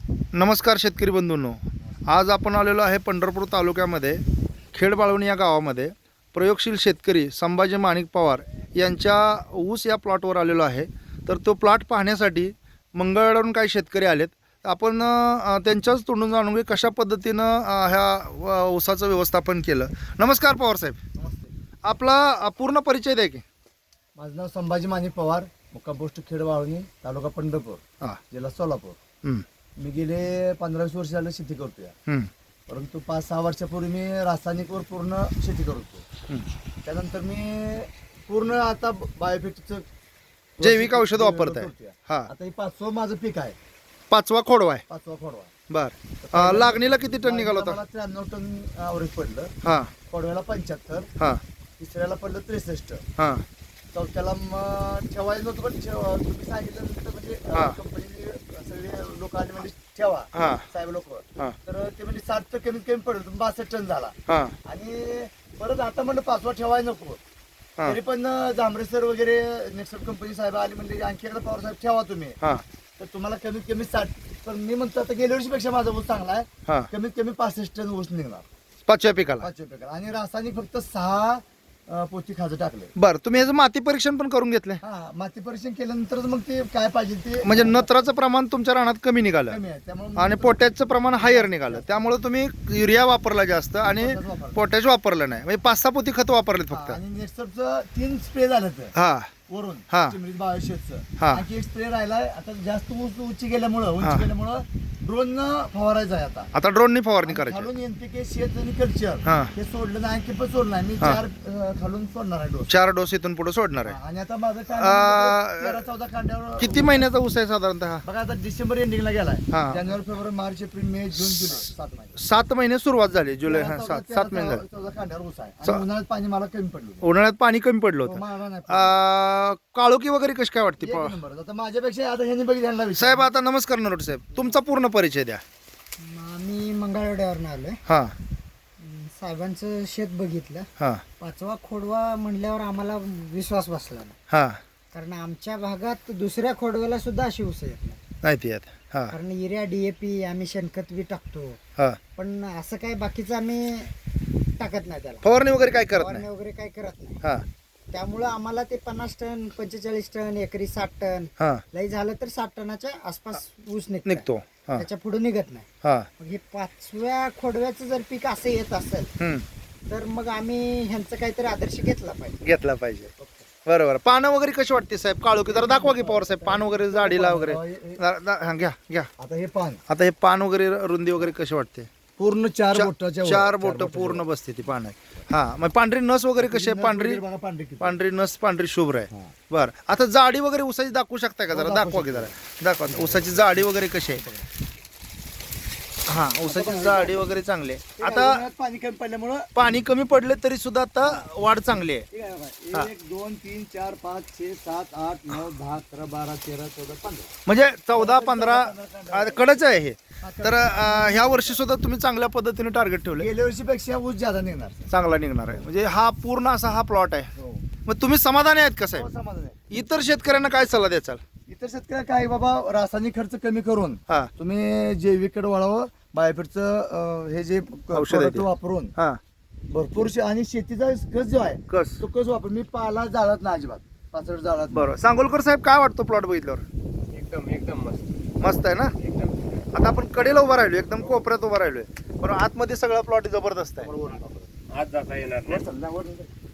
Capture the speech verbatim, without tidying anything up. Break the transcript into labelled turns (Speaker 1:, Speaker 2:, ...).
Speaker 1: नमस्कार शेतकरी बंधूंनो, आज आपण आलेलो आहे पंढरपूर तालुक्यामध्ये खेडबाळवणी या गावामध्ये प्रयोगशील शेतकरी संभाजी माणिक पवार यांच्या ऊस या प्लॉटवर आलेलो आहे. तर तो प्लॉट पाहण्यासाठी मंगळवेढ्यावरून काही शेतकरी आलेत. आपण अ, त्यांच्याच तोंडून जाणून घेऊ कशा पद्धतीनं अ, ह्या अ, ऊसाचं व्यवस्थापन केलं. नमस्कार पवार साहेब,
Speaker 2: नमस्ते.
Speaker 1: आपला अ, पूर्ण परिचय द्या की.
Speaker 2: माझं नाव संभाजी माणिक पवार, मुक्काम पोस्ट खेडबाळवणी, तालुका पंढरपूर,
Speaker 1: हां.
Speaker 2: जिल्हा सोलापूर.
Speaker 1: हं,
Speaker 2: मी गेले पंधरा वीस वर्ष झालं शेती करतोय,
Speaker 1: हं,
Speaker 2: परंतु पाच सहा वर्षापूर्वी मी रासायनिकवर पूर्ण शेती करतो.
Speaker 1: हं.
Speaker 2: त्यानंतर मी पूर्ण आता बायोफिटचं
Speaker 1: जैविक औषध वापरताय.
Speaker 2: करतोय.
Speaker 1: हां,
Speaker 2: आता हे पाचवं माझं पीक आहे,
Speaker 1: पाचवा खोडवा आहे.
Speaker 2: पाचवा खोडवा.
Speaker 1: बर, अ, लागणीला किती टन निघाला होता?
Speaker 2: मला त्र्याण्णव टन ॲव्हरेज पडलं.
Speaker 1: हां,
Speaker 2: खोडव्याला पंच्याहत्तर,
Speaker 1: हां,
Speaker 2: तिसऱ्याला पडलं त्रेसष्ट,
Speaker 1: हां,
Speaker 2: चौथ्याला मग ठेवायला नव्हतं, पण ठेव- तुम्ही सांगितलं म्हणजे
Speaker 1: हा.
Speaker 2: कंपनीने सगळे लोक आले म्हणजे ठेवा,
Speaker 1: हां,
Speaker 2: साहेब लोक.
Speaker 1: हां,
Speaker 2: तर ते म्हणजे साठ तर कमीत कमी पडलं, तुम्ही बासष्ट टन झाला.
Speaker 1: हां,
Speaker 2: आणि परत आता म्हणलं पाचवा ठेवायला नको.
Speaker 1: हां,
Speaker 2: तरी पण जांभरे सर वगैरे नेक्स्ट कंपनी साहेब आले म्हणजे आणखी एकदा पवार साहेब ठेवा तुम्ही,
Speaker 1: हां,
Speaker 2: तर तुम्हाला कमीत कमी साठ. पण मी म्हणतो आता गेल्या वर्षीपेक्षा माझा ऊस चांगला आहे,
Speaker 1: हां.
Speaker 2: कमीत कमी पासष्ट टन ऊस निघणार
Speaker 1: पाचव्या पिकाला.
Speaker 2: पाचव्या पिकाला. आणि रासायनिक फक्त सहा अं, पोती खाजं टाकले.
Speaker 1: बर, तुम्ही याचं माती परीक्षण पण करून घेतले?
Speaker 2: हा, माती परीक्षण केल्यानंतर मग ते काय पाहिजे ते
Speaker 1: म्हणजे नत्राचं प्रमाण तुमच्या रानात कमी निघालं
Speaker 2: कमी आहे, त्यामुळे
Speaker 1: आणि पोटॅशचं प्रमाण हायर निघालं. त्यामुळे तुम्ही युरिया वापरला जास्त आणि पोटॅश वापरलं नाही. म्हणजे पाच सहा पोती खत वापरलेत फक्त.
Speaker 2: आणि नेक्स्टचं तीन स्प्रे झालं तर
Speaker 1: हा,
Speaker 2: वरून
Speaker 1: हा.
Speaker 2: चिमरीत बायोशेटचं.
Speaker 1: हा.
Speaker 2: आणखी एक स्प्रे राहिलाय. आता जास्त उंच उंची गेल्यामुळं
Speaker 1: हा.
Speaker 2: उंची गेल्यामुळं ड्रोन फवारायचं आहे आता.
Speaker 1: आता ड्रोननी फवारणी
Speaker 2: आणि
Speaker 1: करायची.
Speaker 2: खालून एनपीके शेत आणि कल्चर
Speaker 1: हा.
Speaker 2: हे सोडलं नाही, आणखी पण सोडलं नाही. मी
Speaker 1: हा.
Speaker 2: चार अं, खालून सोडणार आहे डोस.
Speaker 1: चार डोस इथून पुढे सोडणार आहे.
Speaker 2: आणि आता माझं
Speaker 1: आ,
Speaker 2: काय तेरा चौदा कांड्यावर.
Speaker 1: किती महिन्याचा ऊस आहे साधारणतः?
Speaker 2: बघा आता डिसेंबर एंडिंगला गेलाय.
Speaker 1: हा.
Speaker 2: जानेवारी फेब्रुवारी मार्च एप्रिल मे जून जुलै सात महिने.
Speaker 1: सात महिने सुरुवात झाली. जुलै
Speaker 2: तेरा
Speaker 1: हा
Speaker 2: चौदा-
Speaker 1: सात
Speaker 2: तेरा
Speaker 1: सात महिने झाले.
Speaker 2: चौदा- चौदा कांड्यावर ऊस आहे.
Speaker 1: च-
Speaker 2: आणि उन्हाळ्यात पाणी मला कमी पडलं.
Speaker 1: उन्हाळ्यात पाणी कमी पडलं होतं.
Speaker 2: मला नाही पडलं.
Speaker 1: आ, काळोखी वगैरे कशी काय वाटते?
Speaker 2: एक नंबर. आता माझ्यापेक्षा आता ह्यांनी बघितलं ह्यांना विचार.
Speaker 1: साहेब आता नमस्कार नरोट साहेब, तुमचा पूर्ण परिचय द्या.
Speaker 3: आम्ही मंगळवेढ्यावरून आलोय.
Speaker 1: हा,
Speaker 3: अं, साहेबांचं शेत बघितलं.
Speaker 1: हा,
Speaker 3: पाचवा खोडवा म्हणल्यावर आम्हाला विश्वास बसला नाही,
Speaker 1: हा.
Speaker 3: कारण आमच्या भागात दुसऱ्या खोडव्याला सुद्धा अशी ऊस येत नाही.
Speaker 1: नाही ती आहेत. हा,
Speaker 3: कारण युरिया डीएपी आम्ही शेणखत बी टाकतो,
Speaker 1: हा.
Speaker 3: पण असं काय बाकीचं आम्ही टाकत नाही त्याला.
Speaker 1: फवारणी वगैरे काय करत
Speaker 3: फवारणी
Speaker 1: नाही.
Speaker 3: वगैरे काय करत नाही.
Speaker 1: हा,
Speaker 3: त्यामुळं आम्हाला ते पन्नास टन पंचेचाळीस टन एकरी साठ टन
Speaker 1: हा.
Speaker 3: लई झालं तर साठ टनाच्या आसपास ऊस निघतो.
Speaker 1: निघतो. हा,
Speaker 3: त्याच्या पुढे निघत नाही.
Speaker 1: हा.
Speaker 3: मग हे पाचव्या खोडव्याचं जर पीक असं येत असेल
Speaker 1: हम्म.
Speaker 3: तर मग आम्ही ह्यांचं काहीतरी आदर्श घेतला पाहिजे.
Speaker 1: घेतला पाहिजे. बरोबर. पानं वगैरे कशी वाटते साहेब? काळोखी जरा दाखवा की पवार साहेब, पान वगैरे जाडीला वगैरे. जरा- दा- हा, घ्या घ्या.
Speaker 2: आता हे पान
Speaker 1: आता हे पान वगैरे रुंदी वगैरे कशी वाटते?
Speaker 2: पूर्ण चार
Speaker 1: चा-
Speaker 2: बोटाच्या वर.
Speaker 1: चार बोट
Speaker 2: बोटाच्या
Speaker 1: पूर्ण
Speaker 2: वर.
Speaker 1: बसते ती पानं. हा, मग पांढरी नस वगैरे कशी आहे?
Speaker 2: नस
Speaker 1: पांढरी
Speaker 2: वगैरे बघा, पांढरी किती.
Speaker 1: पांढरी नस पांढरी शुभ्र आहे.
Speaker 2: हा.
Speaker 1: बर, आता जाडी वगैरे उसाची दाखवू शकताय का जरा?
Speaker 2: हो,
Speaker 1: दाखवा
Speaker 2: दाखवू
Speaker 1: की जरा दाखवा. उसाची जाडी वगैरे कशी आहे? हा, उसाची जाडी वगैरे चांगली आहे.
Speaker 2: ते
Speaker 1: आता
Speaker 2: उन्हाळ्यात पाणी कमी पडल्यामुळं
Speaker 1: पाणी कमी पडले तरी सुद्धा आता वाढ चांगली आहे.
Speaker 2: ठीक आहे
Speaker 1: हा.
Speaker 2: बघा. एक दोन तीन चार पाच छे सात आठ नऊ दहा अकरा बारा तेरा चौदा पंधरा.
Speaker 1: म्हणजे चौदा पंधरा कडच आहे हे. तर अं, ह्या वर्षी सुद्धा तुम्ही चांगल्या पद्धतीने टार्गेट ठेवले,
Speaker 2: गेल्या वर्षीपेक्षा ऊस ज्यादा निघणार.
Speaker 1: चांगला निघणार आहे. म्हणजे हा पूर्ण असा हा प्लॉट आहे.
Speaker 2: हो.
Speaker 1: मग तुम्ही समाधानी आहेत का
Speaker 2: हो,
Speaker 1: साहेब?
Speaker 2: समाधान आहे.
Speaker 1: इतर शेतकऱ्यांना काय सल्ला द्याचाल?
Speaker 2: इतर शेतकऱ्या काय बाबा, रासायनिक खर्च कमी करून
Speaker 1: हा,
Speaker 2: तुम्ही जैविककडे वळावं. बायोफिटचं अं, हे जे
Speaker 1: औषध आहे ते.
Speaker 2: product वापरून
Speaker 1: हा.
Speaker 2: भरपूर शे- आणि शेतीचा कस जो आहे
Speaker 1: कस
Speaker 2: तो कस वापर. मी पाला जाळत नाही अजिबात, पाचड जाळत नाही.
Speaker 1: बरोबर. सांगोलकर साहेब, काय वाटतो प्लॉट बघितल्यावर?
Speaker 4: एकदम एकदम मस्त
Speaker 1: मस्त आहे ना?
Speaker 4: एकदम
Speaker 1: आता आपण कडेला उभा राहिलो, एकदम कोपऱ्यात उभा राहिलोय, पण आतमध्ये सगळा प्लॉट जबरदस्त आहे.
Speaker 4: आज जाता येणार नाही.
Speaker 2: वर चल, वर चल.